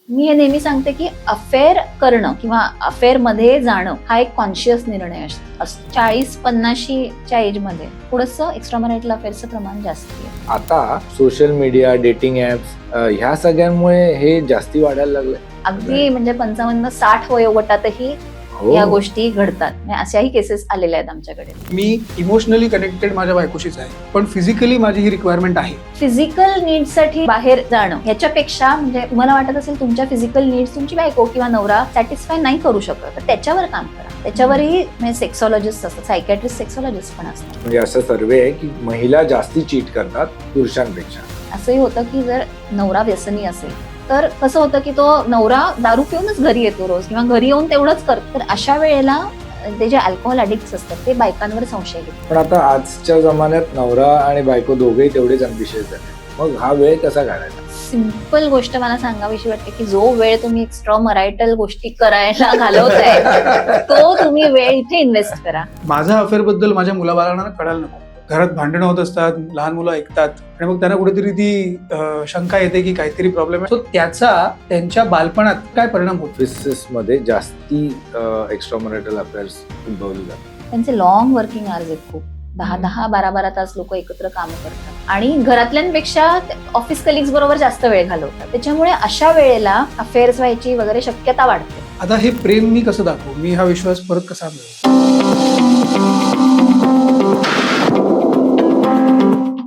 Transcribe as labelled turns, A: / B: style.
A: मी हे नेहमी सांगते की अफेअर करणं किंवा अफेअर मध्ये जाणं हा एक कॉन्शियस निर्णय असतो. 40-50च्या एज मध्ये थोडंसं एक्स्ट्रा मॅरिटल अफेअरचं प्रमाण जास्त आहे.
B: आता सोशल मीडिया, डेटिंग ऍप्स ह्या सगळ्यांमुळे हे जास्ती वाढायला लागलंय.
A: अगदी म्हणजे 55-60 वयोगटातही या गोष्टी घडतात. अशाही केसेस आलेल्या आहेत आमच्याकडे.
C: मी इमोशनली कनेक्टेड माझ्या बायकोशीच आहे, पण फिजिकली माझी ही रिक्वायरमेंट आहे.
A: फिजिकल नीड्ससाठी बाहेर जाणं ह्याच्यापेक्षा म्हणजे तुम्हाला वाटत असेल तुमच्या फिजिकल नीड्स तुमची बायको किंवा नवरा सॅटिस्फाय नाही करू शकत, तर त्याच्यावर काम करा. त्याच्यावरही म्हणजे सेक्सॉलॉजिस्ट असतात, सायकॅट्रिस्ट, सेक्सॉलॉजिस्ट पण असतात.
B: म्हणजे असं सर्वे आहे की महिला जास्ती चीट करतात पुरुषांपेक्षा.
A: असंही होतं की जर नवरा व्यसनी असेल तर कसं होतं की तो नवरा दारू पिऊनच घरी येतो रोज किंवा घरी येऊन तेवढंच करतो, तर अशा वेळेला ते जे अल्कोहोल अडिक्ट्स असतात ते बायकांवर संशय घेतात.
B: पण आता आजच्या जमान्यात नवरा आणि बायको दोघेही तेवढेच अम्बिशियस झाले, मग हा वेळ कसा काढायचा?
A: सिंपल गोष्ट मला सांगावीशी वाटते की जो वेळ तुम्ही एक्स्ट्रा मरायटल गोष्टी करायला घालवताय तो तुम्ही वेळ इथे इन्व्हेस्ट करा.
C: माझा अफेअर बद्दल माझ्या मुलाबाळांना कळायला नको. घरात भांडणं होत असतात, लहान मुलं ऐकतात आणि मग त्यांना कुठेतरी ती शंका येते की काहीतरी प्रॉब्लेम आहे. सो त्याचा त्यांच्या बालपणात काय परिणाम होतो?
B: ऑफिसेस मध्ये जास्ती एक्स्ट्रा मॅरिटल अफेअर्स उद्भवले जातात.
A: त्यांचे लॉंग वर्किंग आवर्स आहेत खूप. 10-12 तास लोक एकत्र काम करतात आणि घरातल्यांपेक्षा ऑफिस कलिग्स बरोबर जास्त वेळ घालवतात. त्याच्यामुळे अशा वेळेला अफेअर्स व्हायची वगैरे शक्यता वाढते.
C: आता हे प्रेम मी कसं दाखवू? मी हा विश्वास परत कसा मिळवू?